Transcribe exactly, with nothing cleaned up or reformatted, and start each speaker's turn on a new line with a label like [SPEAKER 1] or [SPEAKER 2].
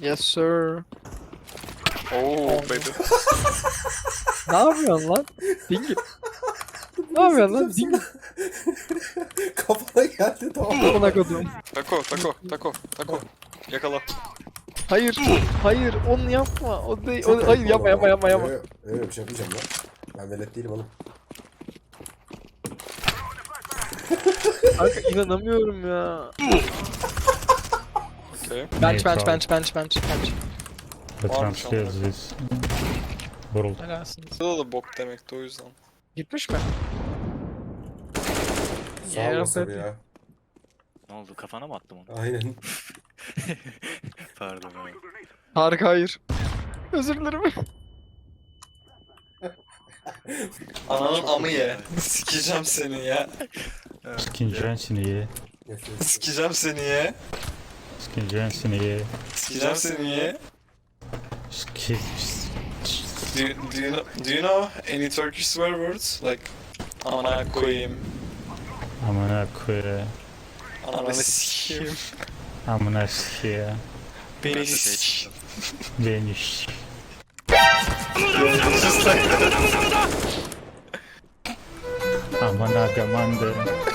[SPEAKER 1] Yes sir.
[SPEAKER 2] Oh baby.
[SPEAKER 1] Ne yapıyorsun lan? Dingi. Ne yapıyorsun lan? Dingi.
[SPEAKER 3] Kafana geldi tamam.
[SPEAKER 1] Amına kodum.
[SPEAKER 2] Tako tako tako tako. Yakala.
[SPEAKER 1] Hayır. Hayır onu yapma. O değil.
[SPEAKER 3] Çok
[SPEAKER 1] O, hayır
[SPEAKER 3] ayıp
[SPEAKER 1] yapma
[SPEAKER 3] oğlum
[SPEAKER 1] yapma
[SPEAKER 3] ama.
[SPEAKER 1] yapma yapma.
[SPEAKER 3] Öyle, öyle bir şey yapacağım lan. Ben velet değilim oğlum.
[SPEAKER 1] Kanka inanamıyorum ya.
[SPEAKER 2] Okay.
[SPEAKER 1] Bench bench bench bench bench bench.
[SPEAKER 4] The
[SPEAKER 2] Varmış
[SPEAKER 4] transfers
[SPEAKER 2] amına.
[SPEAKER 4] is world.
[SPEAKER 1] Helalsiniz.
[SPEAKER 2] Bu da bok demekti o yüzden.
[SPEAKER 1] Gitmiş mi?
[SPEAKER 3] Sağ
[SPEAKER 1] Yeah,
[SPEAKER 3] olasın
[SPEAKER 1] baby.
[SPEAKER 3] ya.
[SPEAKER 5] Ne oldu? Kafana mı attım onu?
[SPEAKER 3] Aynen.
[SPEAKER 5] Pardon abi.
[SPEAKER 1] Harika hayır. Özür dilerim.
[SPEAKER 2] Ananın amı ye. Sikeceğim seni ya.
[SPEAKER 4] Skineceğin seni ye.
[SPEAKER 2] Sikeceğim seni ye.
[SPEAKER 4] Skineceğin seni ye.
[SPEAKER 2] Sikeceğim seni ye.
[SPEAKER 4] Ski...
[SPEAKER 2] Do you, do you know, do you know any Turkish swear words? Like ana koyayım,
[SPEAKER 4] Amına koyayım.
[SPEAKER 2] ananı sikeyim,
[SPEAKER 4] Amına sikeyim.
[SPEAKER 2] beni sik.
[SPEAKER 4] Beni s- Amına gamandı.